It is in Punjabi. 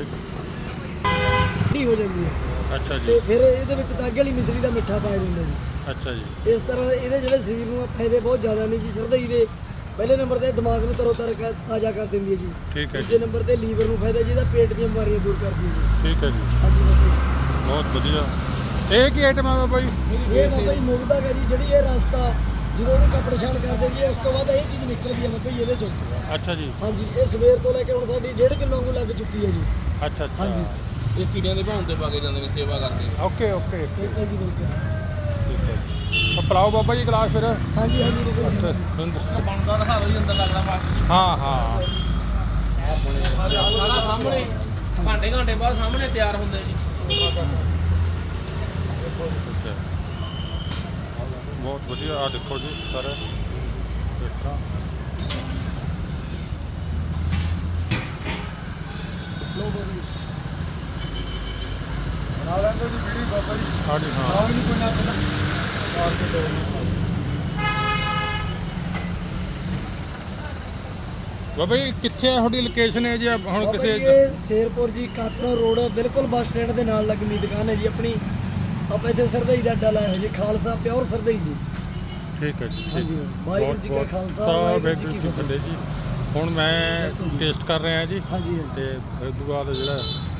ਠੀਕ ਹੈ। ਠੰਡੀ ਹੋ ਜਾਂਦੀ ਹੈ ਅੱਛਾ ਤੇ ਜੀ, ਫਿਰ ਇਹਦੇ ਵਿੱਚ ਤਾਗੇ ਵਾਲੀ ਮਿਸਰੀ ਦਾ ਮਿੱਠਾ ਪਾਇਆ ਜਾਂਦਾ ਜੀ। ਅੱਛਾ ਜੀ, ਇਸ ਤਰ੍ਹਾਂ ਇਹਦੇ ਜਿਹੜੇ ਸਰੀਰ ਨੂੰ ਫਾਇਦੇ ਬਹੁਤ ਜ਼ਿਆਦਾ ਨੇ ਜੀ। ਸਰਦਈ ਦੇ ਪਹਿਲੇ ਨੰਬਰ ਤੇ ਦਿਮਾਗ ਨੂੰ ਤਾਜ਼ਾ ਕਰ ਦਿੰਦੀ ਹੈ ਜੀ। ਠੀਕ ਹੈ ਦੂਜੇ ਜੀ, ਨੰਬਰ ਤੇ ਲੀਵਰ ਨੂੰ ਫਾਇਦਾ ਜੀ, ਇਹਦਾ ਪੇਟ ਦੀਆਂ ਬਿਮਾਰੀਆਂ ਦੂਰ ਕਰਦੀ ਹੈ ਜੀ। ਠੀਕ ਹੈ ਜੀ, ਹਾਂਜੀ ਬਾਬਾ ਬਹੁਤ ਵਧੀਆ। ਇਹ ਕੀ ਆਈਟਮ ਹੈ ਬਾਬਾ ਜੀ? ਜੀ। ਇਹ ਬਾਬਾ ਜੀ ਮੁਗਦਾ ਹੈ ਜੀ, ਜਿਹੜੀ ਇਹ ਰਸਤਾ ਜਦੋਂ ਉਹਨੂੰ ਕੱਪੜ ਛਾਣ ਕਰਦੇ ਜੀ, ਉਸ ਤੋਂ ਬਾਅਦ ਇਹ ਚੀਜ਼ ਨਿਕਲਦੀ ਹੈ ਬਾਬਾ ਜੀ ਇਹਦੇ ਚੋਂ। ਅੱਛਾ ਜੀ, ਹਾਂਜੀ, ਇਹ ਸਵੇਰ ਤੋਂ ਲੈ ਕੇ ਹੁਣ ਸਾਡੀ 1.5 ਕਿਲੋ ਵਾਂਗੂ ਲੱਗ ਚੁੱਕੀ ਹੈ ਜੀ। ਅੱਛਾ ਅੱਛਾ, ਹਾਂਜੀ। ਇਹ ਕੀੜਿਆਂ ਦੇ ਭਾਉਂ ਤੇ ਪਾ ਕੇ ਜਾਂਦੇ ਨੇ ਸੇਵਾ ਕਰਦੇ। ਓਕੇ ਓਕੇ ਓਕੇ, ਠੀਕ ਹੈ ਜੀ, ਬਿਲਕੁਲ। ਠੀਕ ਹੈ ਜੀ। ਤਾਂ ਪਿਲਾਓ ਬਾਬਾ ਜੀ ਗਲਾਸ ਫਿਰ। ਹਾਂਜੀ ਹਾਂਜੀ ਬਿਲਕੁਲ। ਅੱਛਾ, ਤੁਹਾਨੂੰ ਦੱਸੋ। ਬਣਦਾ ਦਿਖਾ ਦਿਓ ਜੀ, ਅੰਦਰ ਲੱਗਦਾ ਬਾਕੀ ਹਾਂ ਹਾਂ, ਸਾਰਾ ਸਾਹਮਣੇ ਘੰਟੇ ਬਾਅਦ ਸਾਹਮਣੇ ਤਿਆਰ ਹੁੰਦੇ ਜੀ। ਅੱਛਾ, ਬਹੁਤ ਵਧੀਆ। ਆ ਦੇਖੋ ਜੀ ਸਰ, ਇਸ ਤਰ੍ਹਾਂ ਲੋ ਬਾਬਾ ਜੀ। ਬਣਾ ਲੈਂਦੇ ਜੀ ਵੀਡੀਓ ਬਾਬਾ ਜੀ। ਹਾਂਜੀ ਹਾਂ, ਆਹ ਵੀ ਨਹੀਂ ਕੋਈ ਨਾ ਪਹਿਲਾਂ ਮਾਰ ਕੇ ਦੋ। ਬਾਬਾ ਜੀ ਕਿੱਥੇ ਹੈ ਤੁਹਾਡੀ ਲੋਕੇਸ਼ਨ ਹੈ ਜੀ? ਹੁਣ ਬਾਬਾ ਜੀ ਕਿਸੇ ਇਹ ਸ਼ੇਰਪੁਰ ਜੀ ਕਾਤਰੋਂ ਰੋਡ ਬਿਲਕੁਲ ਬੱਸ ਸਟੈਂਡ ਦੇ ਨਾਲ ਲੱਗਮੀ ਦੁਕਾਨ ਹੈ ਜੀ ਆਪਣੀ। ਆਪਾਂ ਇੱਥੇ ਸਰਦਈ ਦਾ ਅੱਡਾ ਲਾਇਆ ਹੋਇਆ ਜੀ, ਖਾਲਸਾ ਪਿਓਰ ਸਰਦਈ ਜੀ। ਠੀਕ ਹੈ ਜੀ, ਠੀਕ। ਹਾਂਜੀ, ਵਾਹਿਗੁਰੂ ਜੀ ਕਾ ਬਹੁਤ ਖਾਲਸਾ, ਵਾਹਿਗੁਰੂ ਜੀ ਕੀ ਫਤਿਹ ਜੀ। ਹੁਣ ਮੈਂ ਟੇਸਟ ਕਰ ਰਿਹਾ ਜੀ, ਹਾਂਜੀ ਤੇ ਇਸ ਤੋਂ ਬਾਅਦ ਜਿਹੜਾ